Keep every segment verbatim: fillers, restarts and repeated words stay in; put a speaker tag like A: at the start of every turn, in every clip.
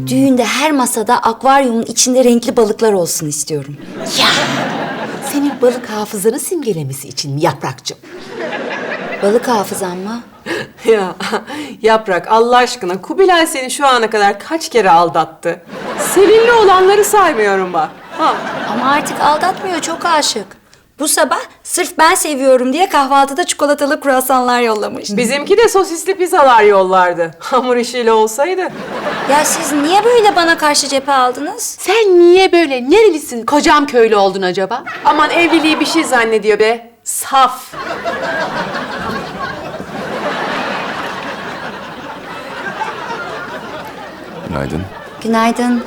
A: Düğünde her masada akvaryumun içinde renkli balıklar olsun istiyorum.
B: Ya! Senin balık hafızanı simgelemesi için mi Yaprakcığım?
A: Balık hafızam mı?
C: Ya Yaprak Allah aşkına Kubilay seni şu ana kadar kaç kere aldattı? Seninle olanları saymıyorum bak. Ha.
A: Ama artık aldatmıyor, çok aşık. Bu sabah sırf ben seviyorum diye kahvaltıda çikolatalı kruvasanlar yollamış.
C: Bizimki de sosisli pizzalar yollardı. Hamur işiyle olsaydı.
A: Ya siz niye böyle bana karşı cephe aldınız?
B: Sen niye böyle nerelisin kocam köylü oldun acaba?
C: Aman evliliği bir şey zannediyor be. Saf.
D: Günaydın.
A: Günaydın.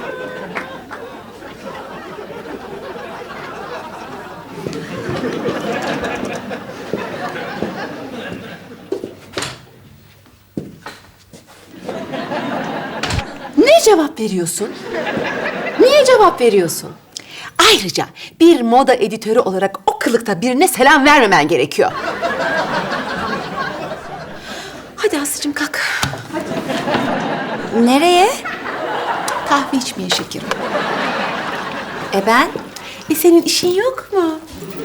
B: Ne cevap veriyorsun? Niye cevap veriyorsun? Ayrıca bir moda editörü olarak o kılıkta birine selam vermemen gerekiyor. Hadi Aslı'cığım kalk.
A: Nereye?
B: Kahve içmeye şekerim.
A: E ben?
B: E senin işin yok mu?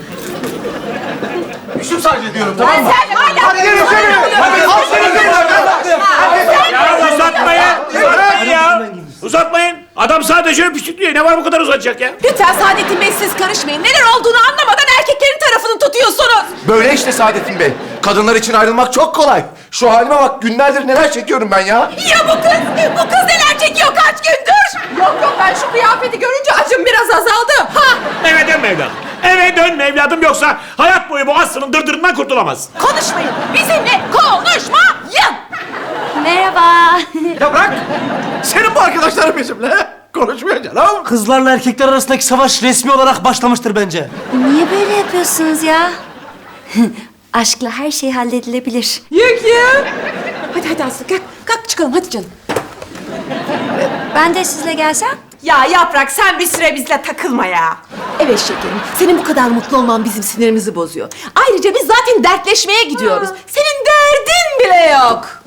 E: Şu sadece diyorum tamam mı?
B: Sen hala...
E: Hadi gelin şöyle. Hadi al seni.
F: Ya uzatmayın. Uzatmayın ya. Uzatmayın. Adam sadece öpüştük diyor. Ne var bu kadar uzatacak ya?
B: Lütfen Saadettin Bey siz karışmayın. Neler olduğunu anlamadan erkeklerin tarafını tutuyorsunuz.
E: Böyle işte Saadettin Bey. Kadınlar için ayrılmak çok kolay. Şu halime bak günlerdir neler çekiyorum ben ya.
B: Ya bu kız? Bu kız neler çekiyor kaç gündür? Yok yok ben şu kıyafeti görünce acım biraz azaldı. Ha!
F: Eve dönme evladım. Eve dönme evladım yoksa hayat boyu bu Aslı'nın dırdırından kurtulamaz.
B: Konuşmayın. Bizimle konuşmayın.
A: Merhaba.
E: Ya bırak. Senin bu arkadaşların bizimle. Konuşmuyor canım.
G: Kızlarla erkekler arasındaki savaş resmi olarak başlamıştır bence.
A: Niye böyle yapıyorsunuz ya? Aşkla her şey halledilebilir.
B: Yok ya. Hadi hadi Aslı kalk. Kalk çıkalım hadi canım.
A: Ben de sizle gelsem?
B: Ya Yaprak sen bir süre bizle takılma ya. Evet şekerim. Senin bu kadar mutlu olman bizim sinirimizi bozuyor. Ayrıca biz zaten dertleşmeye gidiyoruz. Senin derdin bile yok.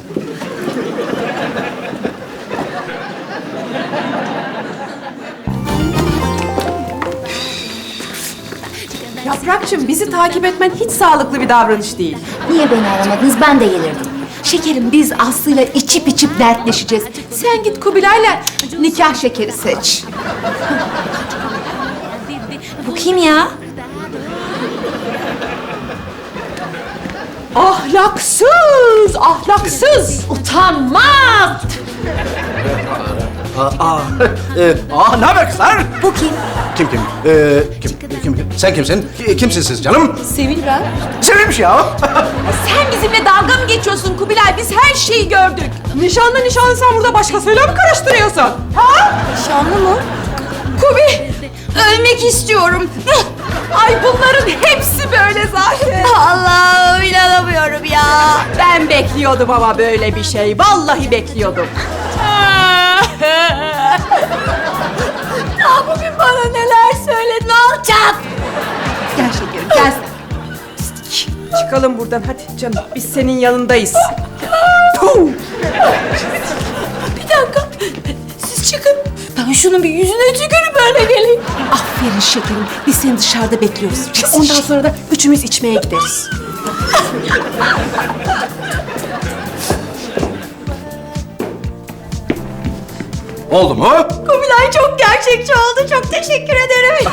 C: Yaprakçığım bizi takip etmen hiç sağlıklı bir davranış değil.
A: Niye beni aramadınız? Ben de gelirdim.
B: Şekerim biz Aslı'yla içip içip dertleşeceğiz. Sen git Kubilay'la nikah şekeri seç.
A: Bu kim ya?
B: Ahlaksız, ahlaksız, utanmaz.
E: Aa, e, aa ne haber kızlar?
A: Bu kim?
E: Kim kim? Ee, kim, kim, kim? Sen kimsin? Ki- Kimsin siz canım?
B: Sevil ben.
E: Sevilmiş ya.
B: Sen bizimle dalga mı geçiyorsun Kubilay? Biz her şeyi gördük.
C: Nişanlı nişanlı sen burada başkasıyla mı karıştırıyorsun?
B: Ha?
A: Nişanlı mı?
B: Kubi!
A: Ölmek istiyorum.
B: Ay bunların hepsi böyle zaten.
A: Allah'ım inanamıyorum ya.
C: Ben bekliyordum ama böyle bir şey. Vallahi bekliyordum.
A: Ya bugün bana neler söyledi, ne olacak?
B: Gel şekerim gel.
C: Çıkalım buradan hadi canım. Biz senin yanındayız.
B: Bir dakika. Siz çıkın. Ben şunun bir yüzüne tükürüp böyle geleyim. Aferin şekerim. Biz seni dışarıda bekliyoruz. Ondan sonra da üçümüz içmeye gideriz.
E: Oldu mu?
A: Kubilay çok gerçekçi oldu. Çok teşekkür ederim.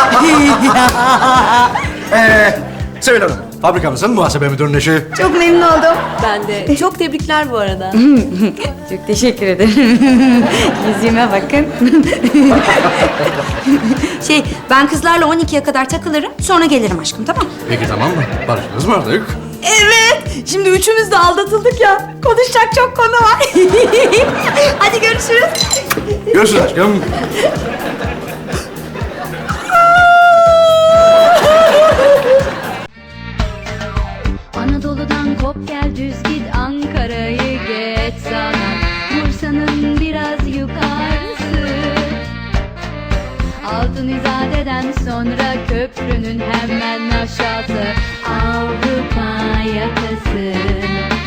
E: Ee, Sevil Hanım, fabrikamızın muhasebe müdürünün eşi.
A: Çok memnun oldum.
C: Ben de.
B: Çok tebrikler bu arada.
A: Çok teşekkür ederim. Yüzüme bakın. şey, ben kızlarla on ikiye kadar takılırım. Sonra gelirim aşkım, tamam?
E: Peki tamam mı? Barıştınız mı artık?
A: Evet. Şimdi üçümüz de aldatıldık ya. Konuşacak çok konu var. Hadi görüşürüz.
E: Görüşürüz aşkım.
H: Anadolu'dan kop gel düz git Ankara'yı geç sana Bursa'nın biraz yukarısı Altın İzade'den sonra köprünün hemen aşağısı Avrupa yakası